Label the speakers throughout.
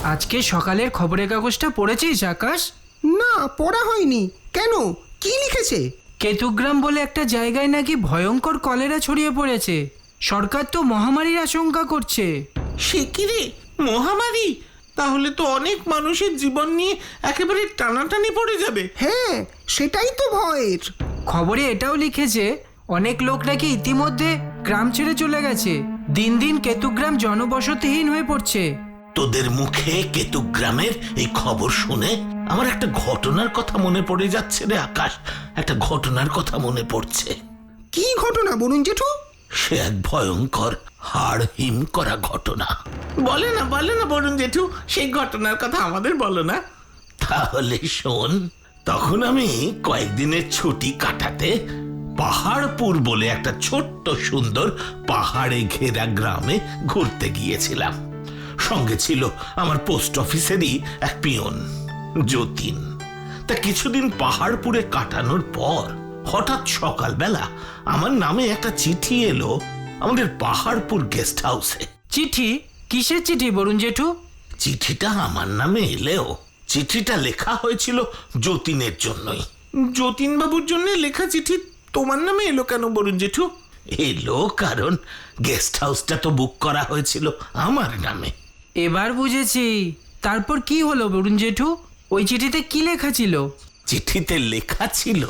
Speaker 1: আজকে সকালের খবরের কাগজটা পড়েছিস আকাশ?
Speaker 2: না, পড়া হয়নি। কেন, কি লিখেছে?
Speaker 1: কেতুগ্রাম বলে একটা জায়গায় নাকি ভয়ঙ্কর কলেরা ছড়িয়ে পড়েছে। সরকার তো মহামারীর আশঙ্কা করছে।
Speaker 3: সে কি রে, মহামারী? তাহলে তো অনেক মানুষের জীবন নিয়ে একেবারে টানাটানি পড়ে যাবে।
Speaker 2: হ্যাঁ, সেটাই তো ভয়ের।
Speaker 1: খবরে এটাও লিখেছে অনেক লোক নাকি ইতিমধ্যে গ্রাম ছেড়ে চলে গেছে। দিন দিন কেতুগ্রাম জনবসতিহীন হয়ে পড়ছে।
Speaker 3: তোদের মুখে কেতুগ্রামের এই খবর শুনে আমার একটা ঘটনার কথা মনে পড়ে যাচ্ছে রে আকাশ। একটা ঘটনার কথা মনে পড়ছে।
Speaker 2: কি ঘটনা বলুন জেঠু?
Speaker 3: সে এক ভয়ঙ্কর হাড় হিম করা ঘটনা। বলে না বলুন জেঠু, সেই ঘটনার কথা আমাদের বলো না। তাহলে শোন, তখন আমি কয়েকদিনের ছুটি কাটাতে পাহাড়পুর বলে একটা ছোট্ট সুন্দর পাহাড়ে ঘেরা গ্রামে ঘুরতে গিয়েছিলাম। সঙ্গে ছিল আমার পোস্ট অফিসেরই এক পিয়ন, যতীন। তা কিছুদিন পাহাড়পুরে কাটানোর পর হঠাৎ সকালবেলা আমার নামে একটা চিঠি এলো আমাদের পাহাড়পুর গেস্ট হাউসে।
Speaker 1: চিঠি? কিসের চিঠি বরুণ জেঠু?
Speaker 3: চিঠিটা আমার নামে এলেও চিঠিটা লেখা হয়েছিল যতীনের জন্যই। যতীন বাবুর জন্য লেখা চিঠি তোমার নামে এলো কেন বরুণ জেঠু? এলো কারণ গেস্ট হাউসটা তো বুক করা হয়েছিল আমার নামে।
Speaker 1: এবার বুঝেছি। তারপর কি হলো বরুণ জেঠু? ওই চিঠিতে কি লেখা ছিল?
Speaker 3: চিঠিতে লেখা ছিল,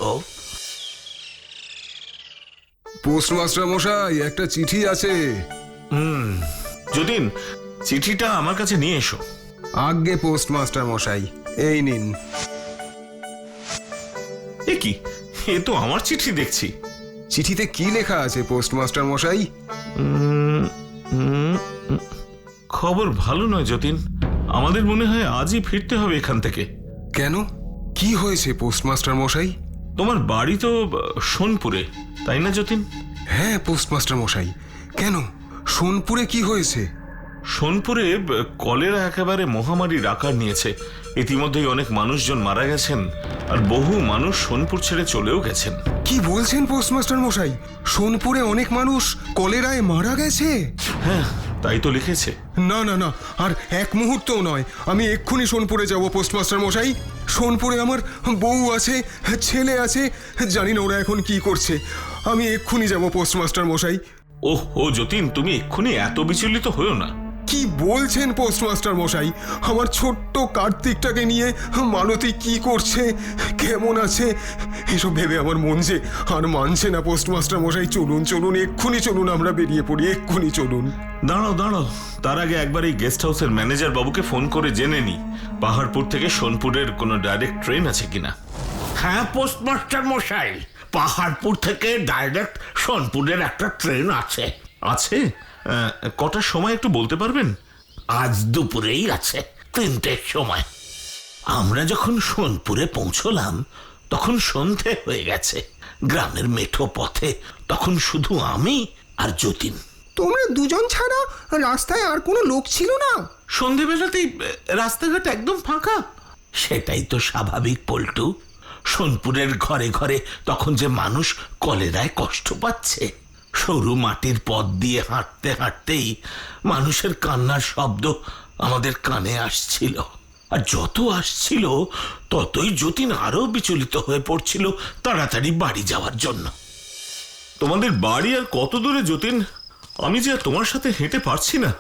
Speaker 4: পোস্টমাস্টার মশাই, একটা চিঠি আছে।
Speaker 5: যতীন, চিঠিটা আমার কাছে নিয়ে এসো।
Speaker 4: আজ্ঞে পোস্টমাস্টার মশাই, এই নিন।
Speaker 5: এ কি, এ তো আমার চিঠি দেখছি।
Speaker 4: চিঠিতে কি লেখা আছে পোস্টমাস্টার মশাই?
Speaker 5: খবর ভালো নয় যতীন, আমাদের মনে হয় আজই ফিরতে হবে এখান থেকে।
Speaker 4: কেন, কি হয়েছে পোস্টমাস্টার মশাই?
Speaker 5: তোমার বাড়ি তো সোনপুরে, তাই না যতীন?
Speaker 4: হ্যাঁ পোস্টমাস্টার মশাই। কেন, সোনপুরে কি হয়েছে?
Speaker 5: সোনপুরে কলেরা একেবারে মহামারীর আকার নিয়েছে। ইতিমধ্যেই অনেক মানুষজন মারা গেছেন, আর বহু মানুষ সোনপুর ছেড়ে চলেও গেছেন।
Speaker 4: কি বলছেন পোস্টমাস্টার মশাই? সোনপুরে অনেক মানুষ কলেরায় মারা গেছে?
Speaker 5: হ্যাঁ, তাই তো লিখেছে।
Speaker 4: না না না, আর এক মুহূর্তও নয়। আমি এক্ষুনি সোনপুরে যাব পোস্টমাস্টার মশাই। সোনপুরে আমার বউ আছে, ছেলে আছে, জানি না ওরা এখন কি করছে। আমি এক্ষুনি যাব পোস্টমাস্টার মশাই।
Speaker 5: ও যতীন, তুমি এক্ষুনি এত বিচলিত হয়েও না।
Speaker 4: কি বলছেন পোস্টমাস্টার মশাই? আমার ছোট্ট কার্তিকটাকে নিয়ে মালতী কি করছে, কেমন আছে, এসব ভেবে আমার মন যে আর মানছে না। পোস্টমাস্টার মশাই, চলুন, এক্ষুনি চলুন, আমরা বেরিয়ে পড়ি, এক্ষুনি চলুন।
Speaker 5: দাঁড়াও, তার আগে একবার এই গেস্ট হাউসের ম্যানেজার বাবুকে ফোন করে জেনে নি পাহাড়পুর থেকে সোনপুরের কোনো ডাইরেক্ট ট্রেন আছে কিনা।
Speaker 3: হ্যাঁ পোস্টমাস্টার মশাই, পাহাড়পুর থেকে ডাইরেক্ট সোনপুরের একটা ট্রেন আছে।
Speaker 5: আছে? কটার সময় একটু বলতে পারবেন?
Speaker 3: আজ দুপুরেই আছে, 3টের সময়। আমরা যখন সোনপুরে পৌঁছলাম তখন সন্ধে হয়ে গেছে। গ্রামের মেঠো পথে তখন শুধু আমি আর যতীন।
Speaker 2: তোমরা দুজন ছাড়া রাস্তায় আর কোনো লোক ছিল না?
Speaker 3: সন্ধেবেলাতেই রাস্তাঘাট একদম ফাঁকা। সেটাই তো স্বাভাবিক পল্টু। সোনপুরের ঘরে ঘরে তখন যে মানুষ কলেরায় কষ্ট পাচ্ছে। সরু মাটির পথ দিয়ে হাঁটতে হাঁটতেই মানুষের কান্নার শব্দ আমাদের কানে আসছিল। আর যত আসছিল ততই যতীন আরো বিচলিত হয়ে পড়ছিল তাড়াতাড়ি বাড়ি যাওয়ার জন্য।
Speaker 5: তোমাদের বাড়ি আর কত দূরে যতীন? আমি যে আর তোমার সাথে হেঁটে পারছি না।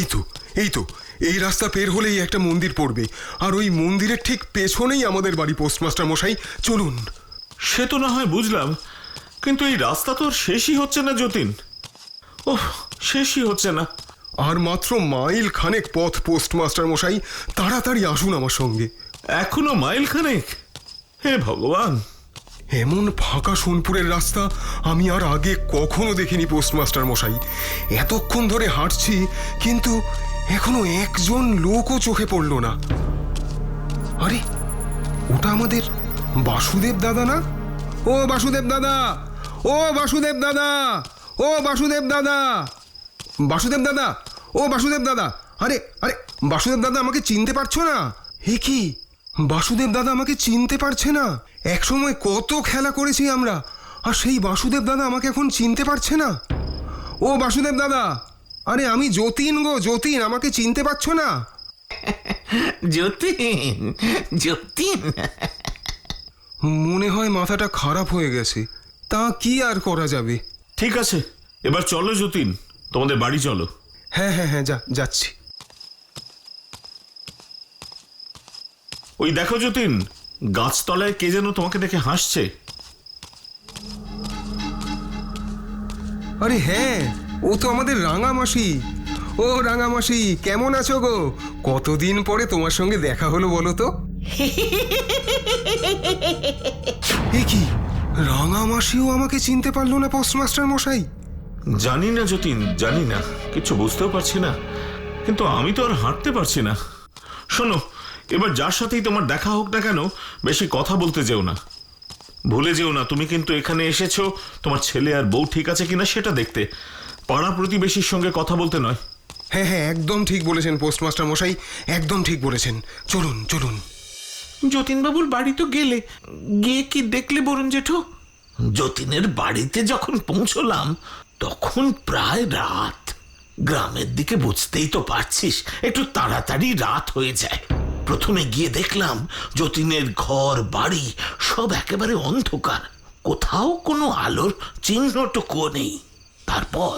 Speaker 4: এই তো এই রাস্তা পের হলেই একটা মন্দির পড়বে, আর ওই মন্দিরের ঠিক পেছনেই আমাদের বাড়ি পোস্টমাস্টার মশাই। চলুন।
Speaker 5: সে তো না হয় বুঝলাম, কিন্তু এই রাস্তা তো আর শেষই হচ্ছে না যতীন। ওহ, শেষই হচ্ছে না।
Speaker 4: আর মাত্র মাইল খানেক পথ পোস্টমাস্টার মশাই, তাড়াতাড়ি আসুন আমার সঙ্গে।
Speaker 5: এখনো মাইল খানেক? হে ভগবান!
Speaker 4: এমন ফাঁকা সোনপুরের রাস্তা আমি আর আগে কখনো দেখিনি পোস্টমাস্টার মশাই। এতক্ষণ ধরে হাঁটছি, কিন্তু এখনো একজন লোকও চোখে পড়ল না। আরে, ওটা আমাদের বাসুদেব দাদা না? ও বাসুদেব দাদা, ও বাসুদেব দাদা, ও বাসুদেব দাদা, বাসুদেব দাদা, ও বাসুদেব দাদা। আরে আরে, বাসুদেব দাদা আমাকে চিনতে পারছো না? হে কি, বাসুদেব দাদা আমাকে চিনতে পারছে না? একসময় কত খেলা করেছি আমরা, আর সেই বাসুদেব দাদা আমাকে এখন চিনতে পারছে না। ও বাসুদেব দাদা, আরে আমি যতীন গো, যতীন, আমাকে চিনতে পারছো না?
Speaker 3: যতীন, যতীন।
Speaker 4: মনে হয় মাথাটা খারাপ হয়ে গেছে। তা কি আর করা যাবে?
Speaker 5: ঠিক আছে, এবার চলো যতীন, তোমাদের বাড়ি চলো।
Speaker 4: হ্যাঁ হ্যাঁ হ্যাঁ, যাচ্ছি।
Speaker 5: ওই দেখো যতীন, গাছতলায় কে যেন তোমাকে দেখে হাসছে।
Speaker 4: আরে হ্যাঁ, ও তো আমাদের রাঙামাসি। ও রাঙামাসি, কেমন আছো গো? কতদিন পরে তোমার সঙ্গে দেখা হলো বলো তো। এ কি, রাঙামাসিও আমাকে চিনতে পারলো না পোস্টমাস্টার মশাই?
Speaker 5: জানি না যতীন, জানি না, কিছু বুঝতেও পারছি না, কিন্তু আমি তো আর হাঁটতে পারছি না। শোনো, এবার যার সাথেই তোমার দেখা হোক না কেন, বেশি কথা বলতে যেও না। ভুলে যেও না, তুমি কিন্তু এখানে এসেছো তোমার ছেলে আর বউ ঠিক আছে কিনা সেটা দেখতে, পাড়া প্রতিবেশীর সঙ্গে কথা বলতে নয়।
Speaker 4: হ্যাঁ হ্যাঁ, একদম ঠিক বলেছেন পোস্টমাস্টার মশাই, একদম ঠিক বলেছেন। চলুন চলুন।
Speaker 3: যতীনবাবুর বাড়ি তো গেলে, গিয়ে কি দেখলে বরুণ জেঠু? যতীনের বাড়িতে যখন পৌঁছলাম তখন প্রায় রাত। গ্রামের দিকে বুঝতেই তো পারছিস, একটু তাড়াতাড়ি রাত হয়ে যায়। প্রথমে গিয়ে দেখলাম যতীনের ঘর বাড়ি সব একেবারে অন্ধকার, কোথাও কোনো আলোর চিহ্নটুকুও নেই। তারপর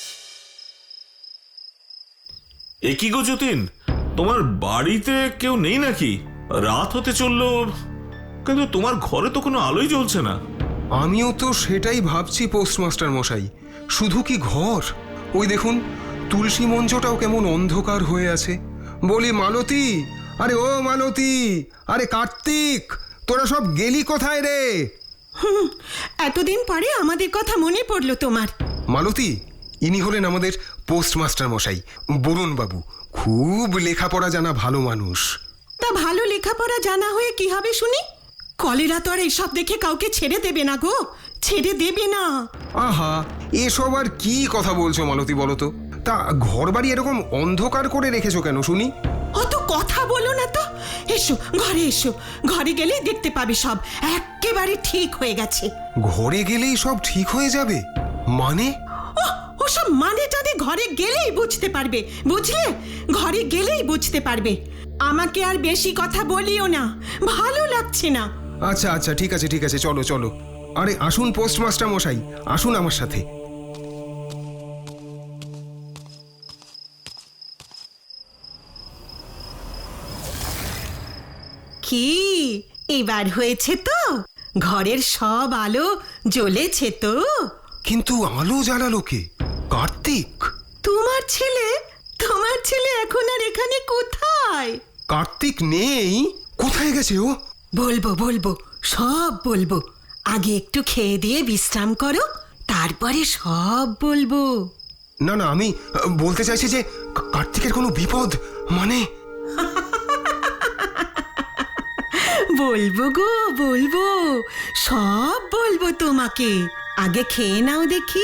Speaker 5: এ কি গো যতীন, তোমার বাড়িতে কেউ নেই নাকি? রাত হতে চললো, কিন্তু তোমার ঘরে তো কোনো আলোই জ্বলছে না।
Speaker 4: আমিও তো সেটাই ভাবছি পোস্টমাস্টার মশাই। শুধু কি ঘর, ওই দেখুন তুলসী মঞ্চটাও কেমন অন্ধকার হয়ে আছে। বলি মালতী, আরে ও মালতী, আরে কার্তিক, তোরা সব গেলি কোথায় রে?
Speaker 6: এতদিন পরে আমাদের কথা মনে পড়লো তোমার।
Speaker 4: মালতী, ইনি হলেন আমাদের পোস্টমাস্টার মশাই, বরুণ বাবু। খুব লেখাপড়া জানা ভালো মানুষ।
Speaker 6: তা ভালো লেখাপড়া জানা হয়ে কি হবে শুনি? কলেরা তো আর এইসব দেখে কাউকে ছেড়ে দেবে না গো, ছেড়ে দেবে না।
Speaker 4: আহা, এসব আর কি কথা বলছো মালতী বলো তো? তা ঘর বাড়ি এরকম অন্ধকার করে রেখেছো কেন শুনি?
Speaker 6: অত কথা বলো না তো, এসো ঘরে এসো, ঘরে গেলে দেখতে পাবে সব একেবারে ঠিক হয়ে গেছে।
Speaker 4: ঘরে গেলেই সব ঠিক হয়ে যাবে মানে?
Speaker 6: ওসব মানে টানে ঘরে গেলেই বুঝতে পারবে, বুঝলে? ঘরে গেলেই বুঝতে পারবে। আমাকে আর বেশি কথা বলিও না, ভালো লাগছে না।
Speaker 4: আচ্ছা আচ্ছা, ঠিক আছে ঠিক আছে, চলো চলো। আরে আসুন পোস্টমাস্টার মশাই, আসুন আমার সাথে।
Speaker 6: কি এবার হয়েছে তো? ঘরের সব আলো জ্বলেছে তো?
Speaker 4: কিন্তু আলো জ্বালালো কে? কার্তিক।
Speaker 6: তোমার ছেলে, তোমার ছেলে এখন আর এখানে কোথায়?
Speaker 4: কার্তিক নেই? কোথায় গেছে ও?
Speaker 6: বলবো বলবো, সব বলবো। আগে একটু খেয়ে দিয়ে বিশ্রাম করো, তারপরে সব বলবো।
Speaker 4: না না, আমি বলতে চাইছি যে কার্তিকের কোনো বিপদ মানে?
Speaker 6: বলবো গো বলবো, সব বলবো তোমাকে। আগে খেয়ে নাও দেখি।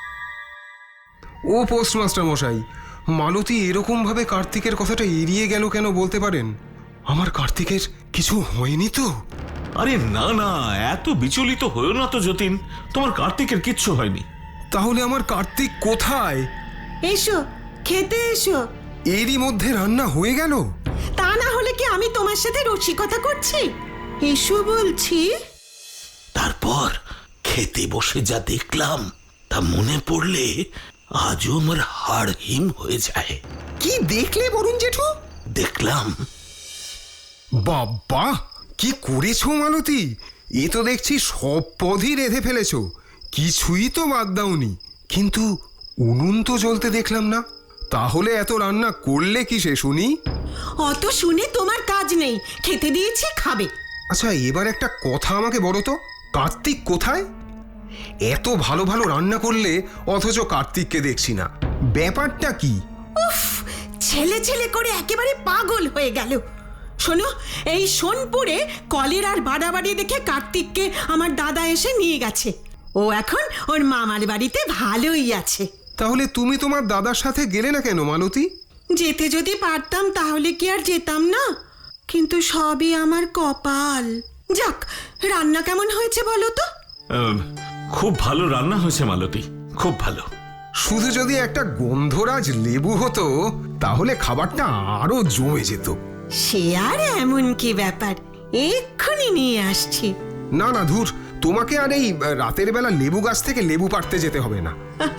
Speaker 4: ও পোস্টমাস্টার মশাই, মালতী এরকম ভাবে কার্তিকের কথাটা এড়িয়ে গেল কেন বলতে পারেন? আমার কার্তিকের কিছু হয়নি তো?
Speaker 5: আরে না না, এত বিচলিত হয়েও না তো যতীন, তোমার কার্তিকের কিচ্ছু হয়নি।
Speaker 4: তাহলে আমার কার্তিক কোথায়?
Speaker 6: এসো খেতে এসো।
Speaker 4: এরই মধ্যে রান্না হয়ে গেল?
Speaker 6: তা না হলে কি আমি তোমার সাথে রসিকতা করছি? এসো বলছি।
Speaker 3: তারপর খেতে বসে যা দেখলাম তা মনে পড়লে আজও আমার হাড় হিম হয়ে যায়।
Speaker 2: কি দেখলে বরুণ জেঠু?
Speaker 3: দেখলাম
Speaker 4: বাবা, কি করেছো মালতী? এ তো দেখছি সব পদই রেঁধে ফেলেছো, কিছুই তো বাদ দাওনি। কিন্তু উনুন তো জ্বলতে দেখলাম না। তাহলে এত রান্না করলে কিসে শুনি?
Speaker 6: অত শুনে তোমার কাজ নেই, খেতে দিয়েছি খাবে।
Speaker 4: আচ্ছা, এবার একটা কথা আমাকে বলো তো, কার্তিক কোথায়? এত ভালো ভালো রান্না করলে অথচ কার্তিককে দেখছি না, ব্যাপারটা কি?
Speaker 6: উফ, ছেলে ছেলে করে একেবারে পাগল হয়ে গেল। শোনো, এই সোনপুরে কলেরার বাড়াবাড়ি দেখে কার্তিককে আমার দাদা এসে নিয়ে গেছে। ও এখন ওর মামার বাড়িতে ভালোই আছে।
Speaker 4: তাহলে তুমি তোমার দাদার সাথে গেলে না কেন মালতী?
Speaker 6: যেতে যদি পারতাম তাহলে কি আর যেতাম না? কিন্তু সবই আমার কপাল। যাক, রান্না কেমন হয়েছে বলো তো?
Speaker 5: খুব ভালো রান্না হয়েছে মালতী, খুব ভালো।
Speaker 4: শুধু যদি একটা গন্ধরাজ লেবু হতো তাহলে খাবারটা আরো জমে যেত।
Speaker 6: সে আর এমন কি ব্যাপার, এক্ষুনি নিয়ে আসছি।
Speaker 4: না না ধুর, তোমাকে আর এই রাতের বেলা লেবু গাছ থেকে লেবু পাড়তে যেতে হবে না।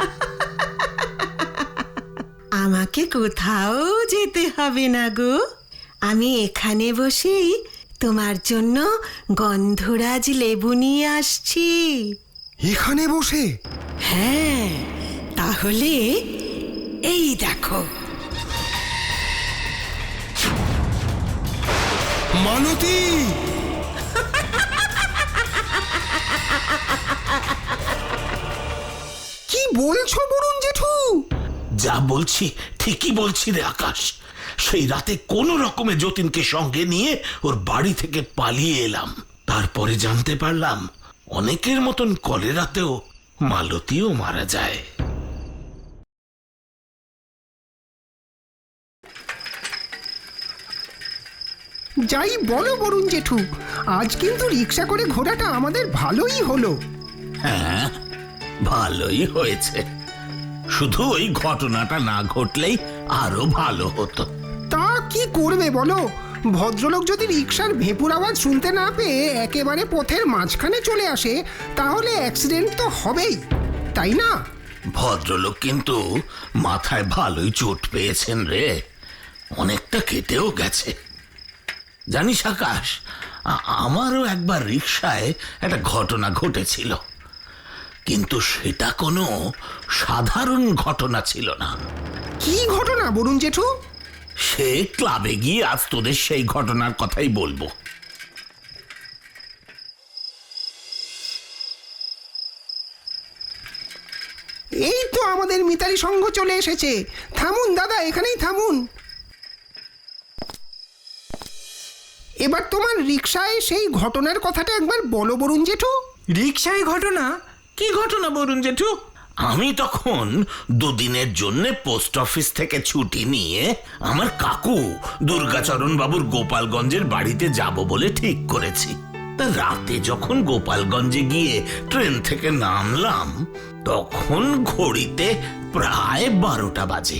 Speaker 6: আমাকে কোথাও যেতে হবে না গো, আমি এখানে বসেই তোমার জন্য গন্ধরাজ লেবু নিয়ে আসছি।
Speaker 4: এখানে বসে?
Speaker 6: হ্যাঁ, তাহলে এই দেখো।
Speaker 4: মালতী!
Speaker 2: কি বলছো বরুণ জেঠু?
Speaker 3: যা বলছি ঠিকই বলছি রে আকাশ। সেই রাতে কোন রকমে যতীনকে সঙ্গে নিয়ে ওর বাড়ি থেকে পালিয়ে এলাম। তারপরে জানতে পারলাম অনেকের মতন কলেরাতেও মালতীও মারা যায়।
Speaker 2: যাই বলো বরুণ জেঠু, আজ কিন্তু রিক্সা করে ঘোরাটা আমাদের ভালোই হলো।
Speaker 3: হ্যাঁ, ভালোই হয়েছে। শুধু ওই ঘটনাটা না ঘটলেই আরো ভালো হতো।
Speaker 2: তা কি করবে বলো, ভদ্রলোক যদি রিক্সার ভেপুর আওয়াজ শুনতে না পেয়ে একেবারে পথের মাঝখানে চলে আসে, তাহলে অ্যাক্সিডেন্ট তো হবেই, তাই না?
Speaker 3: ভদ্রলোক কিন্তু মাথায় ভালোই চোট পেয়েছেন রে, অনেকটা কেটেও গেছে। জানিস আকাশ, আমারও একবার রিক্সায় একটা ঘটনা ঘটেছিল, কিন্তু সেটা কোনো সাধারণ ঘটনা ছিল না।
Speaker 2: কি ঘটনা বরুণ জেঠু?
Speaker 3: সে ক্লাবে গিয়ে আজ তোদের সেই ঘটনার কথাই বলবো।
Speaker 2: এই তো আমাদের মিতালি সংঘ চলে এসেছে। থামুন দাদা, এখানেই থামুন। এবার তোমার রিক্সায় সেই ঘটনার কথাটা একবার বলো বরুণ জেঠু।
Speaker 1: রিক্সায় ঘটনা?
Speaker 3: কি ঘটনা বলুন জেঠু? আমি তখন দুদিনের জন্য পোস্ট অফিস থেকে ছুটি নিয়ে আমার কাকু দুর্গাচরণ বাবুর গোপালগঞ্জের বাড়িতে যাব বলে ঠিক করেছি। তা রাতে যখন গোপালগঞ্জে গিয়ে ট্রেন থেকে নামলাম, তখন ঘড়িতে প্রায় 12টা বাজে।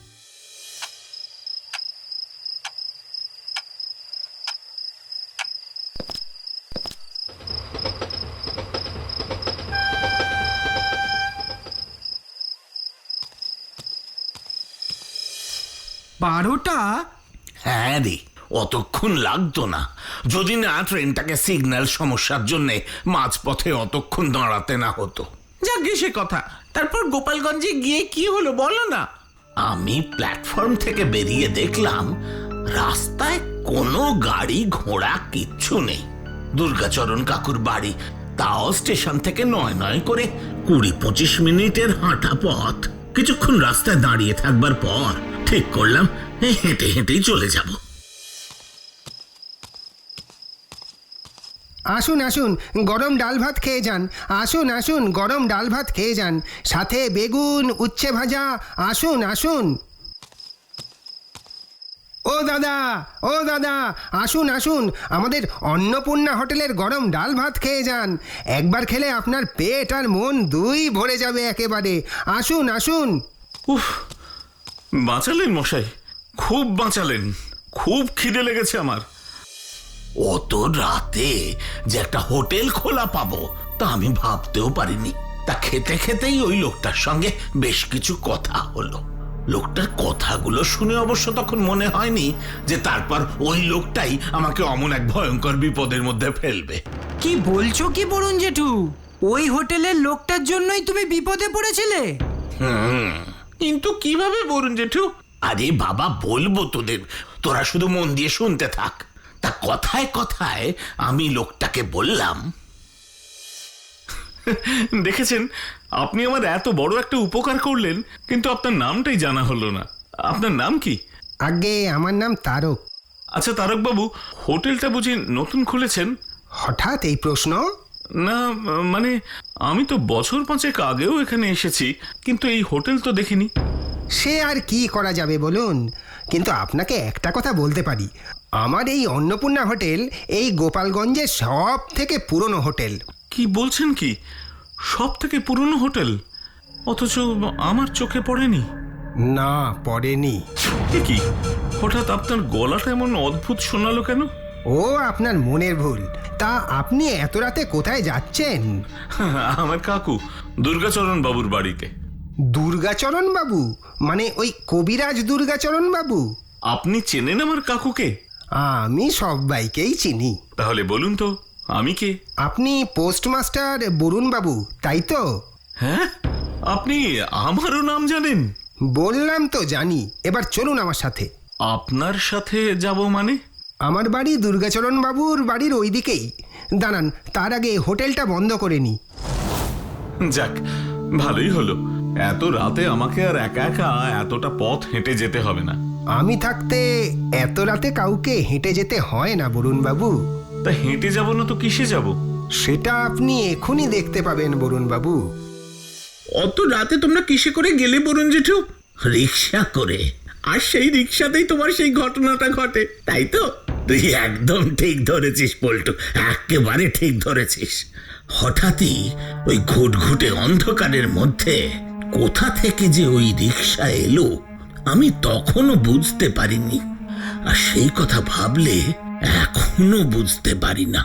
Speaker 1: বারোটা?
Speaker 3: হ্যাঁ রে, অতক্ষণ লাগতো না যদি না ট্রেনটাকে সিগন্যাল সমস্যার জন্য মাঝপথে অতক্ষণ দাঁড়াতে না হতো।
Speaker 7: যাকে সে কথা, তারপর গোপালগঞ্জে গিয়ে কি হলো বলো না।
Speaker 3: আমি প্ল্যাটফর্ম থেকে বেরিয়ে দেখলাম রাস্তায় কোনো গাড়ি ঘোড়া কিচ্ছু নেই। দুর্গাচরণ কাকুর বাড়ি, তাও স্টেশন থেকে নয় করে 20-25 মিনিটের হাঁটা পথ। কিছুক্ষণ রাস্তায় দাঁড়িয়ে থাকবার পর ঠিক করলাম হেঁটে হেঁটেই চলে যাব।
Speaker 2: আসুন আসুন, গরম ডাল ভাত খেয়ে যান। আসুন আসুন, গরম ডাল ভাত খেয়ে যান, সাথে বেগুন, উচ্ছে ভাজা। আসুন আসুন। ও দাদা, ও দাদা, আসুন আসুন, আমাদের অন্নপূর্ণা হোটেলের গরম ডাল ভাত খেয়ে যান। একবার খেলে আপনার পেট আর মন দুই ভরে যাবে একেবারে। আসুন আসুন।
Speaker 5: উফ, বাঁচালেন মশাই, খুব বাঁচালেন। খুব খিদে লেগেছে আমার।
Speaker 3: অত রাতে যে একটা হোটেল খোলা পাবো তা আমি ভাবতেও পারিনি। তা খেতে খেতেই ওই লোকটার সঙ্গে বেশ কিছু কথা হলো। লোকটার কথাগুলো শুনে অবশ্য তখন মনে হয়নি যে তারপর ওই লোকটাই আমাকে অমন এক ভয়ঙ্কর বিপদের মধ্যে ফেলবে।
Speaker 1: কি বলছো কি বরুণ জেঠু? ওই হোটেলের লোকটার জন্যই তুমি বিপদে পড়েছিলে?
Speaker 7: কিন্তু কিভাবে বলুন জেঠু?
Speaker 3: আরে বাবা, বলবো তোদের, তোরা শুধু মন দিয়ে শুনতে থাক। তা কথায় কথায় আমি লোকটাকে বললাম,
Speaker 5: দেখেছেন, আপনি আমার এত বড় একটা উপকার করলেন, কিন্তু আপনার নামটাই জানা হলো না। আপনার নাম কি?
Speaker 2: আগে আমার নাম তারক।
Speaker 5: আচ্ছা তারক বাবু, হোটেলটা বুঝি নতুন খুলেছেন?
Speaker 2: হঠাৎ এই প্রশ্ন?
Speaker 5: না, মানে আমি তো বছর 5 আগেও এখানে এসেছি, কিন্তু এই হোটেল তো দেখিনি।
Speaker 2: সে আর কি করা যাবে বলুন, কিন্তু আপনাকে একটা কথা বলতে পারি, আমার এই অন্নপূর্ণা হোটেল এই গোপালগঞ্জের সব থেকে পুরনো হোটেল।
Speaker 5: কি বলছেন কি? সব থেকে পুরনো হোটেল? অথচ আমার চোখে পড়েনি।
Speaker 2: না, পড়েনি।
Speaker 5: এ কি, হঠাৎ আপনার গলাটা এমন অদ্ভুত শোনালো কেন?
Speaker 2: ও আপনার মনের ভুল। তা আপনি এত রাতে কোথায় যাচ্ছেন?
Speaker 5: আমার কাকু দুর্গাচরণ বাবুর বাড়িতে।
Speaker 2: দুর্গাচরণ বাবু? মানে ওই কবিরাজ দুর্গাচরণ বাবু?
Speaker 5: আপনি চেনেন আমার কাকুকে?
Speaker 2: আমি সবাইকেই চিনি।
Speaker 5: তাহলে বলুন তো আমি কে?
Speaker 2: আপনি পোস্টমাস্টার বরুণ বাবু, তাই তো?
Speaker 5: হ্যাঁ, আপনি আমারও নাম জানেন?
Speaker 2: বললাম তো জানি। এবার চলুন আমার সাথে।
Speaker 5: আপনার সাথে যাব মানে?
Speaker 2: আমার বাড়ি দুর্গাচরণ বাবুর বাড়ির ওই দিকেই। দাঁড়ান, তার আগে হোটেলটা বন্ধ করে নি।
Speaker 5: যাক, ভালোই হলো। এত রাতে আমাকে আর একা একা এতটা পথ হেঁটে যেতে হবে না।
Speaker 2: আমি থাকতে এত রাতে কাউকে হেঁটে যেতে হয় না বরুণ বাবু।
Speaker 5: তা হেঁটে যাব না তো কিসে যাব?
Speaker 2: সেটা আপনি এখনই দেখতে পাবেন বরুণ বাবু।
Speaker 3: অত রাতে তোমরা কিসে করে গেলে বরুণ জেঠু? রিক্সা করে। আর সেই রিক্সাতেই তোমার সেই ঘটনাটা ঘটে, তাই তো? তুই একদম ঠিক ধরেছিস পল্টু, একেবারে ঠিক ধরেছিস। হঠাৎই ওই ঘুটঘুটে অন্ধকারের মধ্যে কোথা থেকে যে ওই রিক্সা এলো আমি তখনও বুঝতে পারিনি, আর সেই কথা ভাবলে এখনো বুঝতে পারি না।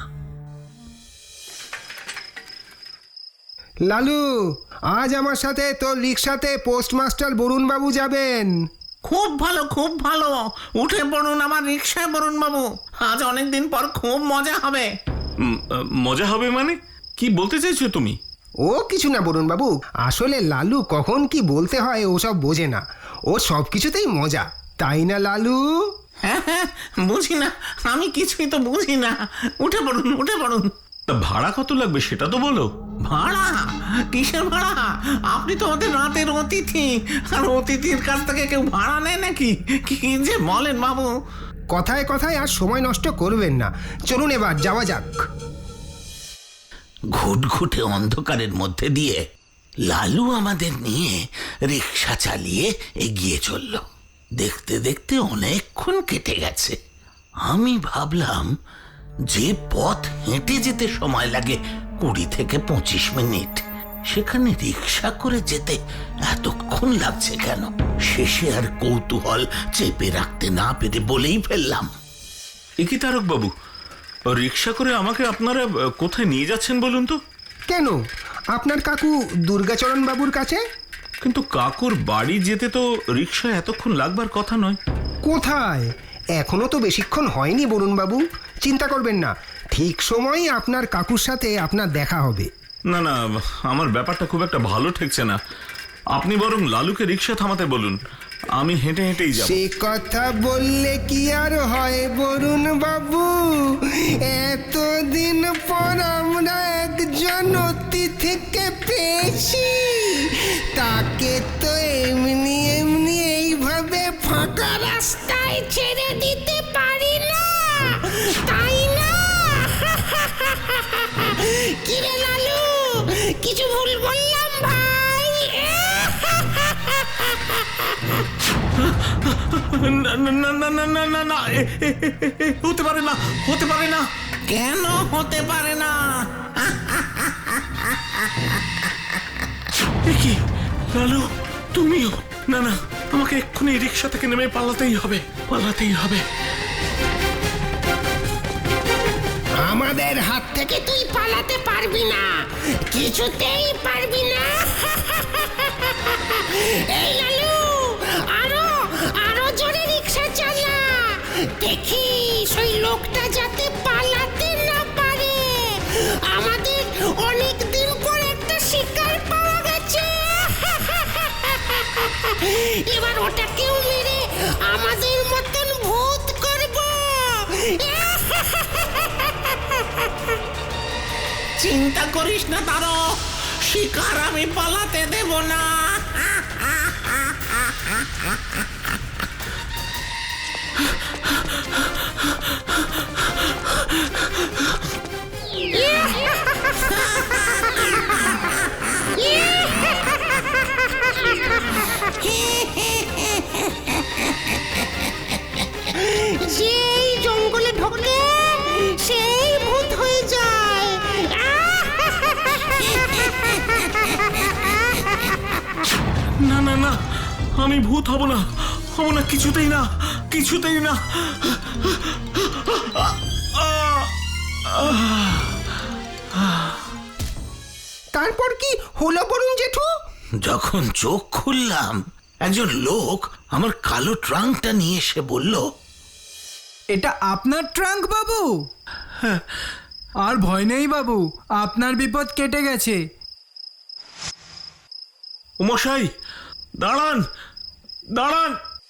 Speaker 2: লালু, আজ আমার সাথে তোর রিক্সাতে পোস্টমাস্টার বরুণ বাবু যাবেন।
Speaker 7: খুব ভালো, খুব ভালো। উঠে পড়ুন আমার রিক্সায় বরুণ বাবু। আজ অনেকদিন পর খুব মজা হবে।
Speaker 5: মজা হবে মানে? কি বলতে চাইছো তুমি?
Speaker 2: ও কিছু না বরুণ বাবু, আসলে লালু কখন কি বলতে হয় ওসব বোঝে না। ও সব কিছুতেই মজা, তাই না লালু?
Speaker 7: হ্যাঁ হ্যাঁ, বুঝি না, আমি কিছুই তো বুঝি না। উঠে পড়ুন, উঠে পড়ুন।
Speaker 5: তা ভাড়া কত লাগবে সেটা তো বলো।
Speaker 7: ভাড়া? কিসের ভাড়া? আপনি তো ওদের রাতের অতিথি, আর অতিথির কাছ থেকে কেউ ভাড়া নেয় নাকি? কি যে বলেন বাবু।
Speaker 2: কথায় কথায় আর সময় নষ্ট করবেন না। চলুন এবার যাওয়া যাক।
Speaker 3: ঘুটঘুটে অন্ধকারের মধ্যে দিয়ে লালু আমাদের নিয়ে রিক্সা চালিয়ে এগিয়ে চলল। দেখতে দেখতে অনেকক্ষণ কেটে গেছে। আমি ভাবলাম যে পথ হেঁটে যেতে সময় লাগে 20 থেকে 25 মিনিট, সেখানে রিক্সা করে যেতে এতক্ষণ লাগছে কেন? শেষে আর কৌতূহল চেপে রাখতে না পেরে বলেই ফেললাম,
Speaker 5: এ কি তারক বাবু, রিক্সা করে আমাকে আপনারা কোথায় নিয়ে যাচ্ছেন বলুন তো?
Speaker 2: কেন, আপনার কাকু দুর্গাচরণ বাবুর কাছে।
Speaker 5: কিন্তু কাকুর বাড়ি যেতে তো রিক্সায় এতক্ষণ লাগবার কথা নয়।
Speaker 2: কোথায়? এখনো তো বেশিক্ষণ হয়নি বরুণ বাবু। চিন্তা করবেন না, ঠিক সময়ই আপনার কাকুর সাথে আপনার দেখা হবে।
Speaker 5: না না, আমার ব্যাপারটা খুব একটা ভালো ঠেকছে না। আপনি বরং লালুকে রিক্সা থামাতে বলুন, আমি হেঁটে হেঁটেই যাব।
Speaker 2: সে কথা বললে কি আর হয় বরুণ বাবু? এতদিন পর আমরা একজন অতিথিকে পেয়েছি, তাকে তো এমনি এমনি এইভাবে ফাঁকা রাস্তায় ছেড়ে দিতে পারি না, তাই না? কিরে লালু, কিছু ভুল বললাম ভাই?
Speaker 5: না না না না না না না না, হতে পারে না, হতে পারে না।
Speaker 7: কেন হতে পারে না?
Speaker 5: এ কি লালু, তুমিও? না না, আমাকে এক্ষুনি রিক্সা থেকে নেমে পালাতেই হবে, পালাতেই হবে।
Speaker 2: আমাদের হাত থেকে তুই পালাতে পারবি না, কিছুতেই পারবি না। এই লালু, আরো আরো জোরে রিক্সা চালা, দেখিস ওই লোকটা যাতে পালাতে না পারে। আমাদের অনেক দিন পর একটা শিকার পাওয়া গেছে, এবার ওটাকেও মেরে আমাদের মতন ভূত করব।
Speaker 7: চিন্তা করিস না তারো, শিকার আমি পালাতে দেব না।
Speaker 2: যেই জঙ্গলে ঢোকে সেই ভূত হয়ে যায়।
Speaker 5: না না না, আমি ভূত হব না, হব না, কিছুতেই না, কিছুতেই না।
Speaker 2: তারপর কি হলো বলুন জেঠু?
Speaker 3: যখন চোখ খুললাম একজন লোক আমার কালো ট্রাঙ্কটা নিয়ে এসে বলল,
Speaker 1: এটা আপনার ট্রাঙ্ক বাবু? আর ভয় নেই বাবু, আপনার বিপদ কেটে গেছে।
Speaker 5: মশাই দাঁড়ান, দাঁড়ান।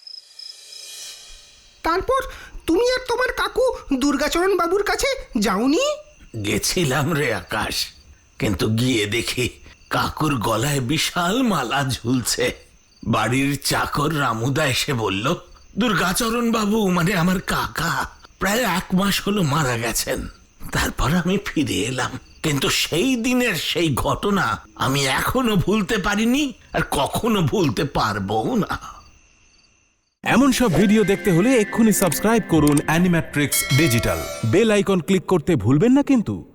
Speaker 2: তারপর তুমি আর তোমার কাকু দুর্গাচরণ বাবুর কাছে যাওনি?
Speaker 3: গেছিলাম রে আকাশ, কিন্তু গিয়ে দেখি কাকুর গলায় বিশাল মালা ঝুলছে। বাড়ির চাকর রামুদা এসে বলল, দুর্গাচরণ বাবু মানে আমার কাকা প্রায় 1 মাস হলো মারা গেছেন। তারপর আমি ফিরে এলাম, কিন্তু সেই দিনের সেই ঘটনা আমি এখনো ভুলতে পারিনি, আর কখনো ভুলতে পারবো না।
Speaker 8: এমন সব ভিডিও দেখতে হলে এক্ষুনি সাবস্ক্রাইব করুন Animatrix digital. Bell icon click করতে ভুলবেন না কিন্তু।